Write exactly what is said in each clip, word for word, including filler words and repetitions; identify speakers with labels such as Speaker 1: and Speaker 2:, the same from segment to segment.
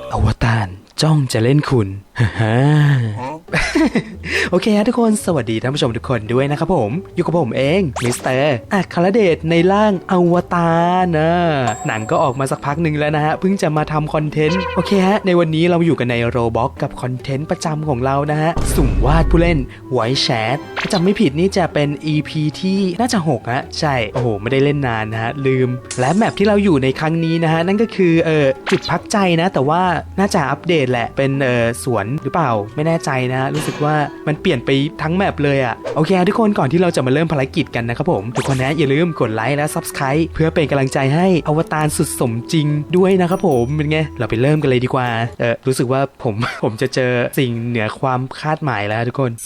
Speaker 1: อวตารจ้องจะเล่นคุณฮ่าโอเคฮะทุกคนสวัสดีท่านผู้ชมทุกคนด้วยนะครับผมอยู่กับผมเองมิสเตอร์อัครเดชในร่างอวตารนะหนังก็ออกมาสักพักหนึ่งแล้วนะฮะเพิ่งจะมาทำคอนเทนต์โอเคฮะในวันนี้เราอยู่กันในโรบ็อกกับคอนเทนต์ประจำของเรานะฮะสุ่มวาดผู้เล่นไวท์แชทถ้าจำไม่ผิดนี่จะเป็น อี พี ที่น่าจะหกฮะใช่โอ้โหไม่ได้เล่นนานนะฮะลืมและแมปที่เราอยู่ในครั้งนี้นะฮะนั่นก็คือเออจุดพักใจนะแต่ว่าน่าจะอัปเดตแหละเป็นเออสวนหรือเปล่าไม่แน่ใจนะรู้สึกว่ามันเปลี่ยนไปทั้งแมปเลยอะโอเคทุกคนก่อนที่เราจะมาเริ่มภารกิจกันนะครับผมทุกคนนะอย่าลืมกดไลค์และ ซับสไครบ์ เพื่อเป็นกำลังใจให้อวตารสุดสมจริงด้วยนะครับผมเป็นไงเราไปเริ่มกันเลยดีกว่าเออรู้สึกว่าผมผมจะเจอสิ่งเหนือความคาดหมายแล้วทุกคน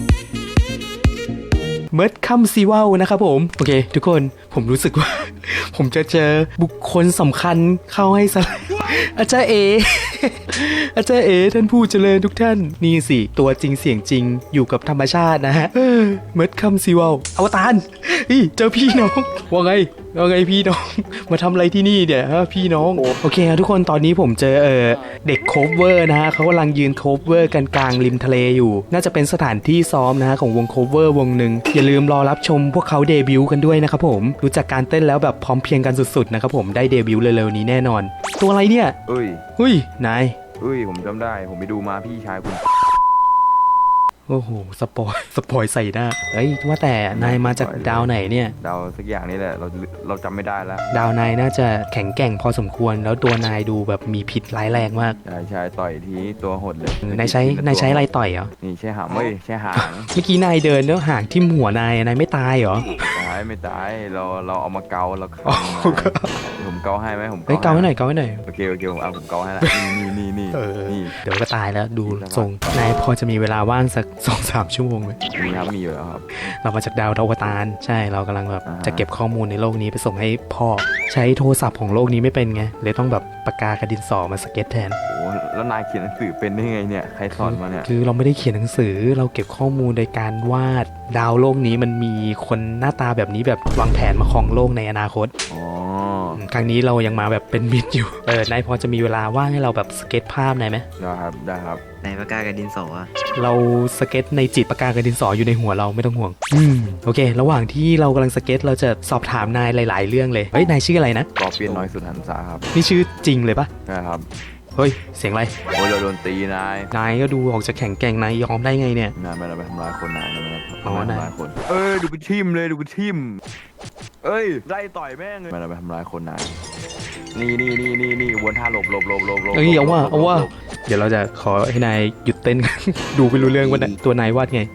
Speaker 1: เมิร์ดคัมซีวลนะครับผมโอเคทุกคนผมรู้สึกว่า ผมจะเจอบุคคลสำคัญเข้าให้สลายอาจารย์เอ อาจารย์เอท่านผู้เจริญทุกท่านนี่สิตัวจริงเสียงจริงอยู่กับธรรมชาตินะฮะเมิร์ดคัมซีวลอวตารเจอพี่น้องว่าไงว่าไงพี่น้องมาทำอะไรที่นี่เนี่ยฮะพี่น้องโอเคทุกคนตอนนี้ผมเจอเออเด็กโคฟเวอร์นะฮะเขากำลังยืนโคฟเวอร์กันกลางริมทะเลอยู่น่าจะเป็นสถานที่ซ้อมนะฮะของวงโคฟเวอร์วงหนึ่งอย่าลืมรอรับชมพวกเขาเดบิวต์กันด้วยนะครับผมรู้จักการเต้นแล้วแบบพร้อมเพียงกันสุดๆนะครับผมได้เดบิวต์เร็วๆนี้แน่นอนตัวอะไรเนี่ย
Speaker 2: เอ้ย
Speaker 1: เฮ้ยนาย
Speaker 2: เอ้ยผมจำได้ผมไปดูมาพี่ชายคุณ
Speaker 1: โอ้โหสปอยสปอยใส่หน้าเฮ้ยว่าแต่นายมาจากดาวไหนเนี่ย
Speaker 2: ดาวสักอย่างนี้แหละเราเราจำไม่ได้แล้ว
Speaker 1: ดาวนายน่าจะแข็งแกร่งพอสมควรแล้วตัวนายดูแบบมีพิษร้ายแรงมาก
Speaker 2: ใช่ใช่ต่อยทีตัวหดเลย
Speaker 1: นายใช้นายใช้อะไรต่อยเหรอ
Speaker 2: นี่ใช่หางเว้ยใช่หาง
Speaker 1: เมื่อกี้นายเดินแล้วหางทิ่มหัวนายนายไม่ตายเหรอ
Speaker 2: ตายไม่ตายเราเราเอามาเกาเราผมเกาให้ไหมผม
Speaker 1: เฮ้ยเกาให้หน่อยเกาให้หน่อย
Speaker 2: โอเคโอเคผมเอาผมเกาให้ละนี่นี่นี่นี่
Speaker 1: เดี๋ยวก็ตายแล้วดูทรงนายพอจะมีเวลาว่างสักสองสามชั่วโมงไหม
Speaker 2: มีครับมีอยู่แล้วครับ
Speaker 1: เรามาจากดาวอวตารใช่เรากำลังแบบจะเก็บข้อมูลในโลกนี้ไปส่งให้พ่อใช้โทรศัพท์ของโลกนี้ไม่เป็นไงเลยต้องแบบปากกากระดินสอมาสเก็ตแทน
Speaker 2: โอ้แล้วนายเขียนหนังสือเป็นได้ไงเนี่ยใครสอนมาเนี่ย
Speaker 1: คือเราไม่ได้เขียนหนังสือเราเก็บข้อมูลโดยการวาดดาวโลกนี้มันมีคนหน้าตาแบบนี้แบบวางแผนมาครองโลกในอนาคต
Speaker 2: อ๋อ
Speaker 1: ครั้งนี้เรายังมาแบบเป็นมิตรอยู่เออนายพอจะมีเวลาว่างให้เราแบบสเก็ตภาพหน่อยไหม
Speaker 2: ได้ครับได้ครับ
Speaker 3: ในปากกากระดินสอ
Speaker 1: เราสเก็ตในจิตปากกากระดินสออยู่ในหัวเราไม่ต้องห่วงอืมโอเคระหว่างที่เรากำลังสเก็ตเราจะสอบถามนายหลายๆเรื่องเลยเฮ้ยนายชื่ออะไรนะ
Speaker 2: กอเปียนน้อยสุดหันษาครับ
Speaker 1: นี่ชื่อจริงเลยปะ
Speaker 2: ใช่ครับ
Speaker 1: เฮ้ยเสียงอะไร
Speaker 2: โอ้ยเราโดนตีนาย
Speaker 1: นายก็ดูออกจะแข็งแกร่งนายยอมได้ไงเนี่ย
Speaker 2: นายไม่ได้ไปทำร้ายคนนายไม่ได้
Speaker 1: ทำร้าย
Speaker 2: คนเอ้ยดูกูทิมเลยดูกูทิมเอ้ยไล่ต่อยแม่งเลยไม่ได้ไปทำร้ายคนนายนี่นี่นี่นี่นี่วนท่าหลบหลบหลบหลบหลบ
Speaker 1: เอ้ยเอาว่าเอาว่าเดี๋ยวเราจะขอให้นายหยุดเต้น ดูไปรู้เรื่องว่าตัวนายวาดไง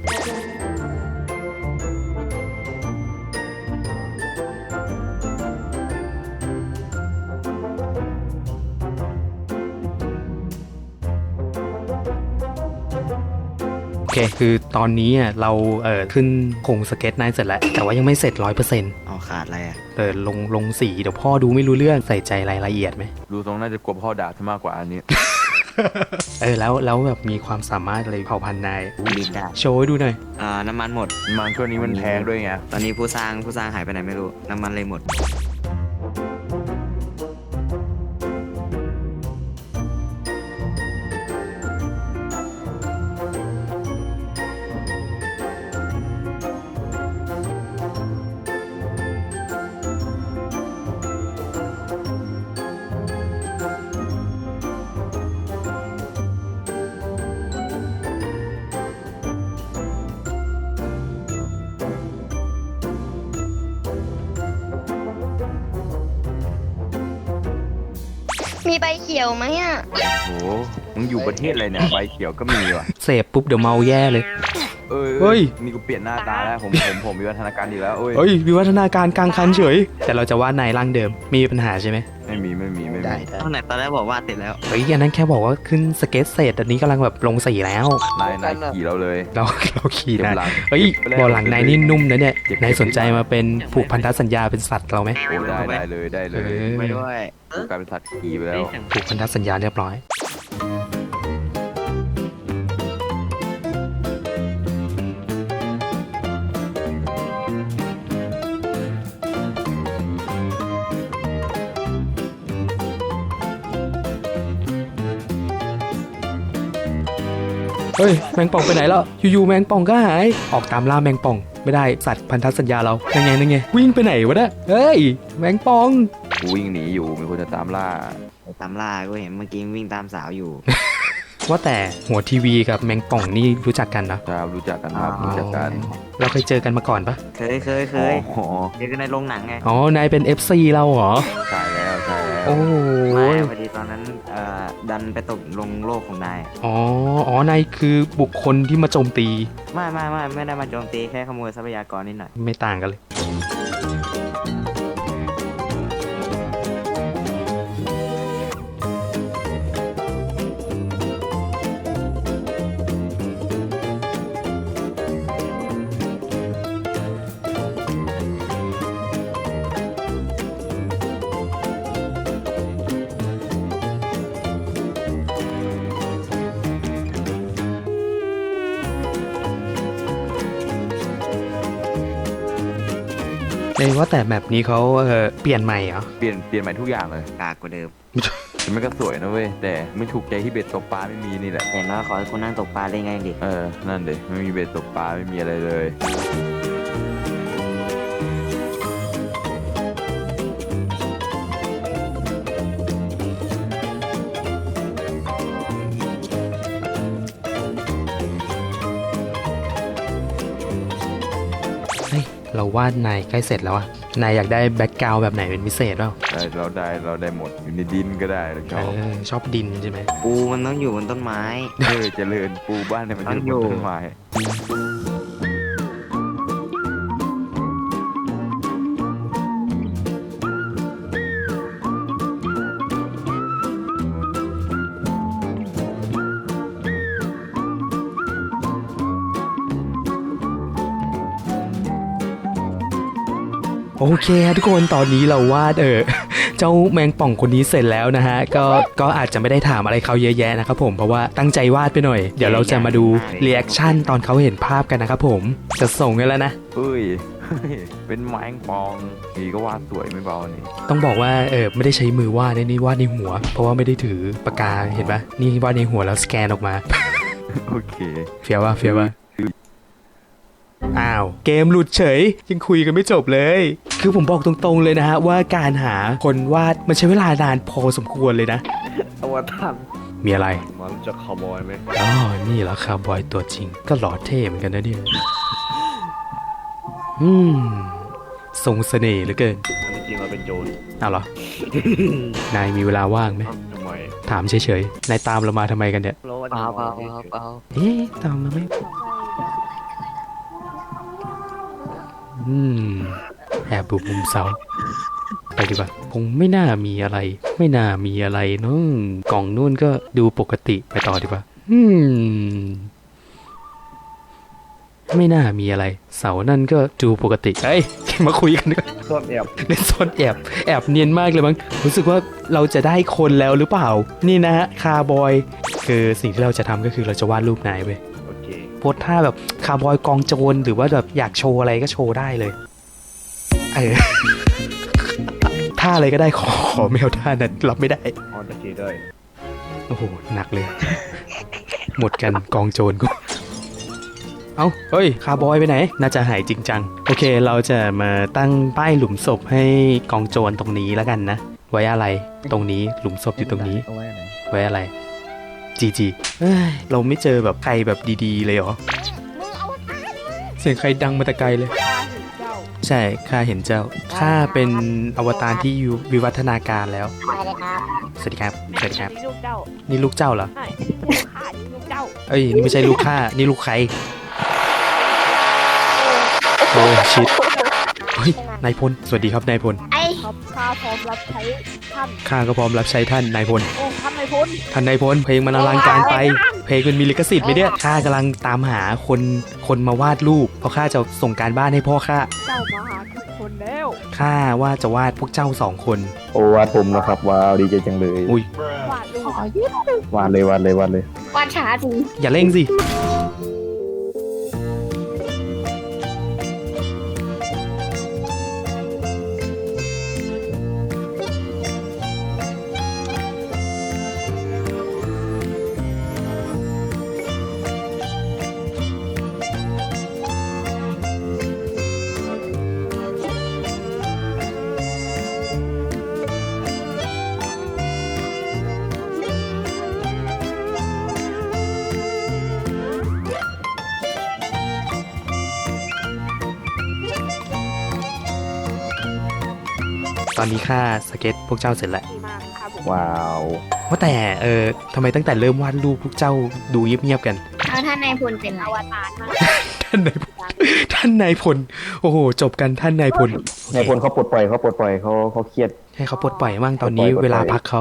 Speaker 1: โอเคคือตอนนี้เราเอ่อขึ้นโครงสเก็ตนายเสร็จแล้วแต่ว่ายังไม่เสร็จร้อยเปอร์เซ็นต์
Speaker 3: อ๋อขาดอะไรอ่ะ
Speaker 1: เออลงลงสีเดี๋ยวพ่อดูไม่รู้เรื่องใส่ใจรายละเอียดไหม
Speaker 2: ดูตรงน่าจะกลัวพ่อด่าซะมากกว่าอันนี้
Speaker 1: เออแล้วแล้วแบบมีความสามารถอะไรเผ่าพันธุ์นาย
Speaker 3: มีจ้ะ
Speaker 1: โชว์ให้ดูหน่อย
Speaker 3: อ่าน้ำมันหมด
Speaker 2: น้ำมันช่วงนี้มันแพงด้วยไง
Speaker 3: ตอนนี้ผู้สร้างผู้สร้างหายไปไหนไม่รู้น้ำมันเลยหมด
Speaker 4: มีใบเขียวไหมอ่ะ
Speaker 2: โอ้โหมึงอยู่ประเทศอะไรเนี่ยใบเขียวก็มีว่ะ
Speaker 1: เสพปุ๊บเดี๋ยวเมาแย่เลย
Speaker 2: เอ้ยเฮ้ยนี่กูเปลี่ยนหน้าตาแล้วผมผมผมวิวัฒนาการดีแล้วเอ้ย
Speaker 1: เฮ้ยวิวัฒนาการกลางคันเฉยแต่เราจะวาดนายร่างเดิมมีปัญหาใช่ไหม
Speaker 2: ไม่มีไม่มีไม่มี
Speaker 3: ตอนไหนตอนแรกบอกว่าติดแล้ว
Speaker 1: เฮ้ยอันนั้นแค่บอกว่าขึ้นสเก็ตเสร็จอันนี้กำลังแบบลงสีแล้ว
Speaker 2: นายนายขี่เราเลย
Speaker 1: เราเราขี่นายเฮ้ยบอลหลังนายนี่นุ่มนะเนี่ยนายสนใจมาเป็นผูกพันธสัญญาเป็นสัตว์เราไหม
Speaker 2: โอ้ได้ได้เลยได้เลย
Speaker 3: ไม่ด้วย
Speaker 2: กลายเป็นสัตว์ขี่ไปแล้ว
Speaker 1: ผูกพันธสัญญาเรียบร้อยเฮ้ยแมงป่องไปไหนแล้วอยู่ๆแมงป่องก็หายออกตามล่าแมงป่องไม่ได้สัตว์พันธสัญญาเรายังไงยังไงวิ่งไปไหนวะเนี่ยเฮ้ยแมงป่อง
Speaker 2: กูวิ่งหนีอยู่มีคนจะตามล่า
Speaker 3: ไปตามล่ากูเห็นเมื่อกี้วิ่งตามสาวอยู่
Speaker 1: ว่าแต่หัวทีวีกับแมงป่องนี่รู้จักกันนะครับ
Speaker 2: รู้จักกันครับรู้จักกัน
Speaker 1: เราเคยเจอกันมาก่อนปะ
Speaker 3: เคยเคยเคย
Speaker 2: อ๋อ
Speaker 3: เจอกันในโรงหนังไง
Speaker 1: อ๋อนายเป็น เอฟ ซี เราเหรอ
Speaker 2: ใช่แล้วใช่แล้ว
Speaker 1: โอ้โห
Speaker 3: ไม่พอดีตอนนั้นเอ่อดันไปตกลงโลกของนาย
Speaker 1: อ๋ออ๋อนายคือบุคคลที่มาโจมตี
Speaker 3: ไม่ไม่ไม่ไม่ได้มาโจมตีแค่ขโมยทรัพยากรนิดหน่อย
Speaker 1: ไม่ต่างกันเลยเอ้ยว่าแต่แมปนี้เขาเออเปลี่ยนใหม่เหรอ
Speaker 2: เปลี่ยนเปลี่ยนใหม่ทุกอย่างเลย
Speaker 3: กากกว่าเดิม
Speaker 2: แต่มันก็สวยนะเว้ยแต่ไม่ถูกใจที่เบ็ดตกปลาไม่มีนี่แหละ
Speaker 3: เห็นว่าขอให้คุณนั่งตกปลาได้ไงดิ
Speaker 2: เออนั่นเด็ไม่มีเบ็ดตกปลาไม่มีอะไรเลย
Speaker 1: เฮ้ยเราวาดนายใกล้เสร็จแล้วอะนายอยากได้แบ็กกราวด์แบบไหนเป็นพิเศษเปล่า
Speaker 2: ได้เราได้เราได้หมดอยู่ในดินก็ได้เราช
Speaker 1: เอ
Speaker 2: อบ
Speaker 1: อชอบดินใช่ไหม
Speaker 3: ปูมันต้องอยู่บนต้นไม้
Speaker 2: เออเจริญปูบ้านเนี่ยมัน
Speaker 3: ต้อง
Speaker 2: อยู่
Speaker 3: อยู่
Speaker 2: บนต้นไม้
Speaker 1: โอเคครับทุกคนตอนนี้เราวาดเอ อ เจ้าแมงป่องคนนี้เสร็จแล้วนะฮะก็ก็อาจจะไม่ได้ถามอะไรเขาเยอะแยะนะครับผมเพราะว่าตั้งใจวาดไปหน่อยเดี๋ยวเราจะมาดูเรีแอคชั่นตอนเขาเห็นภาพกันนะครับผมจะส่งกันแล้วนะ
Speaker 2: เฮ้ยเฮ้ยเป็นไม้ปองนี่ก็วาดสวยไม่เบานี่
Speaker 1: ต้องบอกว่าเออไม่ได้ใช้มือวาดนะนี่วาดในหัว เพราะว่าไม่ได้ถือปากกาเห็นปะนี่วาดในหัวแล้วสแกนออกมา
Speaker 2: โอเค
Speaker 1: เฟียวว่าเฟียวว่าอ้าวเกมหลุดเฉยยังคุยกันไม่จบเลย คือผมบอกตรงๆเลยนะฮะว่าการหาคนวาดมันใช้เวลานานพอสมควรเลยนะ
Speaker 5: อวตาร
Speaker 1: มีอะไร
Speaker 5: มันจะคาวบอยไหม
Speaker 1: อ๋อนี่เหรอคาร์บอยตัวจริง ก็หล่อเท่เหมือนกันนะเนี่ยอืมทรงเสน่ห์เหลือเกิน
Speaker 5: อันนี้จริงเราเป็นโจร
Speaker 1: เอาเหรอ นายมีเวลาว่างไหม
Speaker 5: เอ้าทำไม
Speaker 1: ถามเฉยๆนายตามเรามาทำไมกันเนี่ย
Speaker 5: เราว่า
Speaker 3: เปล่าเปล่า
Speaker 5: จะ
Speaker 3: เปล่าเปล่า
Speaker 1: เอ๊ะตามมาไหมอืมแอบบุกมุมเสาไปดีกว่าคงไม่น่ามีอะไร ไม่น่ามีอะไรเนาะกล่องนู่นก็ดูปกติไปต่อดีกว่า อืม ไม่น่ามีอะไร เสานั่นก็ดูปกติเฮ้ยมาคุยกันดีกว่า
Speaker 5: ซ่อนแอบ
Speaker 1: เล่นซ่อนแอบแอบเนียนมากเลยมั้งรู้สึกว่าเราจะได้คนแล้วหรือเปล่า นี่นะฮะคาร์บอยคือสิ่งที่เราจะทำก็คือเราจะวาดรูปนายเว้ย
Speaker 5: โอเค
Speaker 1: โพสท่าแบบคาร์บอยกองโจรหรือว่าแบบอยากโชว์อะไรก็โชว์ได้เลยเออ ท่าอะไรก็ได้ขอขอไม่เอาท่านั้นรับไม่ได้
Speaker 5: ออนตะเกียได้
Speaker 1: โอ้โหหนักเลย หมดกันกองโจรกูเอ้าเฮ้ยคาร์บอยไปไหนน่าจะหายจริงจังโอเคเราจะมาตั้งป้ายหลุมศพให้กองโจรตรงนี้แล้วกันนะ ไว้อะไรตรงนี้หลุมศพอยู่ตรงนี้
Speaker 5: เอาไว้ไหน
Speaker 1: ไว้อะไรจีจีเอ้ยเราไม่เจอแบบใครแบบดีๆเลยเหรอ
Speaker 4: มึงเอาตาย
Speaker 1: เสียงใครดังมาแต่ไกลเลย ใช่ข้าเห็นเจ้าข้าเป็นอวตารที่อยู่วิวัฒนาการแล้ว
Speaker 4: ไปเลยครับ
Speaker 1: สวัสดีครับสวัสดีครับ
Speaker 6: นี่ลูกเจ้า
Speaker 1: นี่ลูกเจ้าเหรอ
Speaker 6: ใช่ลูกข้านี่ลูกเจ้า
Speaker 1: เอ้ยนี่ไม่ใช่ลูกข้านี่ลูกใครโอ้ชิตเฮ้ยนายพลสวัสดีครับนายพล
Speaker 4: ไอ้
Speaker 6: ครับข้าพร้อมรับใช้ท่าน
Speaker 1: ข้าก็พร้อมรับใช้ท่านนายพล
Speaker 6: โอ้ท่านนายพล
Speaker 1: ท่านนายพลเพลงมันอลังการไป เพลงมันมีลิขสิทธิ์ไหมเนี่ยข้ากำลังตามหาคนคนมาวาดรูปเพราะข้าจะส่งการบ้านให้พ่อข้า
Speaker 6: เจ้ามาหาทุกคนแล้ว
Speaker 1: ข้าว่าจะวาดพวกเจ้าสองคน
Speaker 5: โอ้วาดผมนะครับว้าวดีใจจังเลย
Speaker 1: อุ้ย
Speaker 6: วาดรูป
Speaker 5: วาดเลยวาดเลยวาดเลย
Speaker 4: วาดช้าจริง
Speaker 1: อย่าเร่งสิตอนนี้ข้าสเก็ตพวกเจ้าเสร็จแล้ว
Speaker 6: ดีมากครับผม
Speaker 5: ว้าว
Speaker 1: ว่าแต่เออทำไมตั้งแต่เริ่มวาดรูปพวกเจ้าดูเงียบๆกัน
Speaker 4: เอาท่านนายพลเป็น
Speaker 6: อ
Speaker 4: ไร
Speaker 6: วตารมาก
Speaker 1: ท่านนายพลท่านนายพลโอ้โหจบกันท่านนายพล
Speaker 5: นายพลเขาปลดปล่อยเขาปลดปล่อยเขาเขาเครียด
Speaker 1: ให้เขาปลดปล่อยมั่งตอนนี้
Speaker 5: ปลดปล่อย
Speaker 1: เวลาพักเขา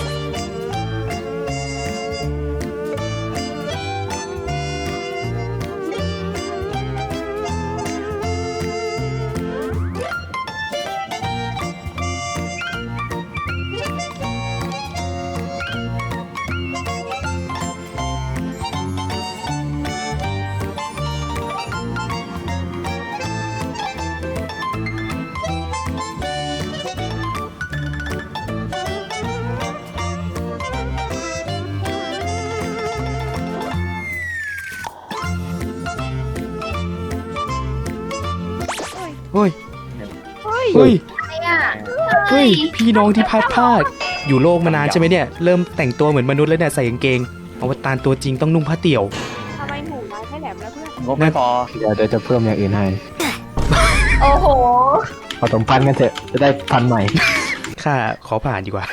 Speaker 1: เฮ้ย
Speaker 6: เฮ้ย
Speaker 1: เฮ้ย
Speaker 4: อะไรอ่ะ
Speaker 1: เฮ้ยพี่น้องที่พลาดพลาดอยู่โลกมานานใช่ไหมเนี่ยเริ่มแต่งตัวเหมือนมนุษย์แล้วเนี่ยใส่กางเกงอวตารตัวจริงต้องนุ่งผ้าเตี่ยว
Speaker 6: ทำไมหมูน้อยไม่แหลมแล้วเพื่อน
Speaker 5: งบไม่พอเดี๋ยวเดี๋ยวจะเพิ่มอย่างอื่นให้
Speaker 4: โอ้โห
Speaker 5: ผสมพันธุ์กันเถอะจะได้พันธุ์ใหม่
Speaker 1: ข้าขอผ่านดีกว่า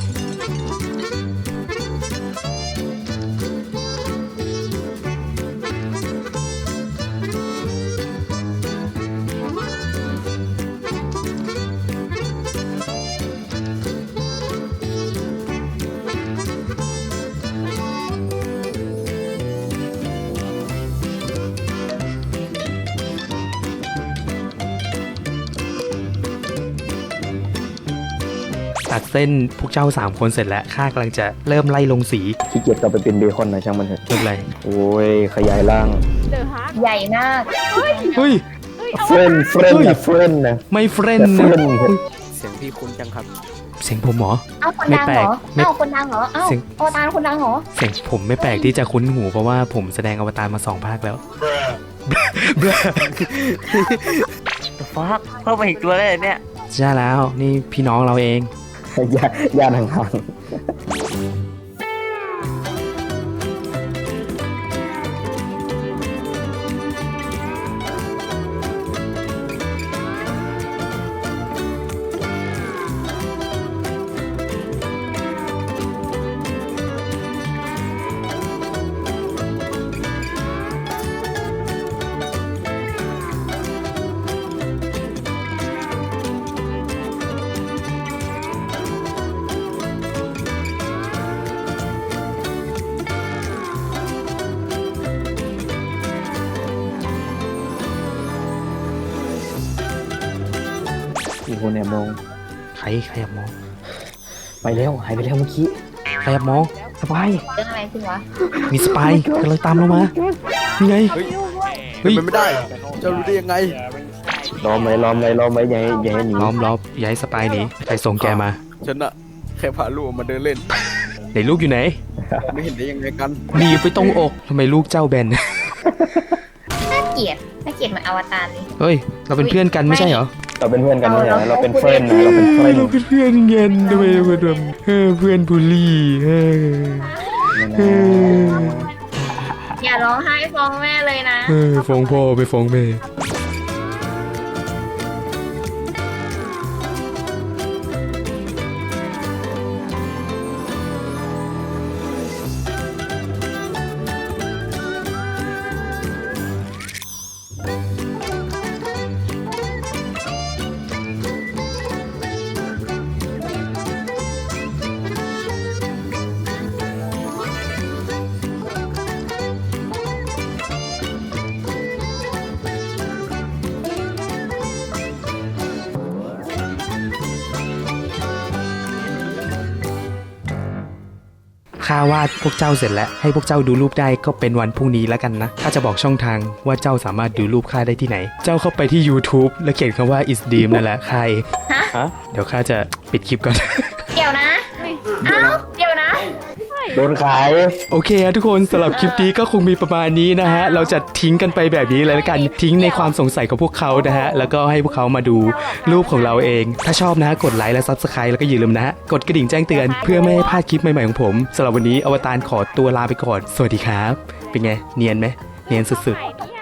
Speaker 1: ตัดเส้นพวกเจ้าสามคนเสร็จแล้วข้ากำลังจะเริ่มไล่ลงสี
Speaker 5: ขี้เกียจกลับไปเป็นเบคอนนะช่างมันเถอะ
Speaker 1: เริ่มอะไร
Speaker 5: โอ้ยขยายร่าง
Speaker 6: เดอะฮาร์ด
Speaker 4: ใหญ่มาก
Speaker 1: เฮ้ย
Speaker 6: เฮ้ยเอา
Speaker 5: เฟรนเฟรนนะเฟรนนะ
Speaker 1: ไม่เฟรน
Speaker 5: แต่
Speaker 1: นะ
Speaker 5: friend
Speaker 3: เสียงพี่คุ้นจังครับ
Speaker 1: เสียงผมเหรอ
Speaker 4: เอ้าคน
Speaker 1: ไม่
Speaker 4: ดัง
Speaker 1: แปล
Speaker 4: เหร
Speaker 1: ก
Speaker 4: อ
Speaker 1: ไม่
Speaker 4: เอ้าคนดังเหรอเอ้า
Speaker 1: เสียง
Speaker 4: อวตารคนดังเหรอ
Speaker 1: เสียงผมไม่แปลกที่จะคุ้นหูเพราะว่าผมแสดงอวตารมาสองภาคแล้ว
Speaker 3: ฟักเพิ่มมาอีกตัวเลยเนี่ย
Speaker 1: ใช่แล้วนี่พี่น้องเราเอง
Speaker 5: ย่าย่านห่าง ๆอีกคนแอบมอง
Speaker 1: ใครใครแอบมอง
Speaker 5: ไปแล้วหายไปแล้วเมื่อกี้
Speaker 1: ใครแอบมอง
Speaker 5: สบาย
Speaker 4: เรื่องอะไรขึ้นวะ
Speaker 1: มีสปายกำลังตามเรามานี่ไง
Speaker 6: ทำลูกด้วย
Speaker 1: เฮ้ย
Speaker 2: มันไม่ได้ เจ้ารู้ได้ยังไง
Speaker 5: ล้อมไว้ล้อมไว้ล้อมไว้อย่าให้อย่าให้หนี
Speaker 1: ล้อมล้อมอย่าให้สปายหนีใครส่งแกมา
Speaker 2: ฉันอะแค่พาลูกออกมาเดินเล่น
Speaker 1: ไหนลูกอยู่ไหน
Speaker 2: ไม่เห็นได้ยังไงกัน
Speaker 1: หนีบไปตรงอกทำไมลูกเจ้าแบน
Speaker 4: น่าเกลียดน่าเกลียดเหมือนอวตารเลย
Speaker 1: เฮ้ย เราเป็นเพื่อนกันไม่ใช่เหรอ
Speaker 5: เราเป็นเพื่อนกันไม่ใช่เหรอเราเป็นเฟรนนะเราเป็นเฟรน
Speaker 1: เราเป็นเพื่อนกันทำไมเราเป็นแบบเออเพื่อนบูลลี่เออเออ
Speaker 4: อย่าร้องไห้ฟ้องแม่เลยนะ
Speaker 1: เออฟ้องพ่อไปฟ้องแม่ ข้าวาดพวกเจ้าเสร็จแล้วให้พวกเจ้าดูรูปได้ก็เป็นวันพรุ่งนี้แล้วกันนะข้าจะบอกช่องทางว่าเจ้าสามารถดูรูปข้าได้ที่ไหน เจ้าเข้าไปที่ YouTube แล้วเขียนคำว่า is dream นั่นแหละใคร
Speaker 5: ฮะ
Speaker 1: เดี๋ยวข้าจะปิดคลิปก่อน
Speaker 4: เดี๋ยวนะ เอ้า เดี๋ยวนะ
Speaker 5: โดนขาย
Speaker 1: โอเคฮะทุกคนสำหรับคลิปนี้ก็คงมีประมาณนี้นะฮะเราจะทิ้งกันไปแบบนี้เลยละกันทิ้งในความสงสัยของพวกเขานะฮะแล้วก็ให้พวกเขามาดูรูปของเราเอง ถ้าชอบนะฮะกดไลค์และ Subscribe แล้วก็อย่าลืมนะฮะกดกระดิ่งแจ้งเตือนเพื่อไม่ให้พลาดคลิปใหม่ๆของผมสำหรับวันนี้อวตารขอตัวลาไปก่อนสวัสดีครับเป็นไงเนียนไหมเนียนสุดๆ
Speaker 6: ไหนเนี่ย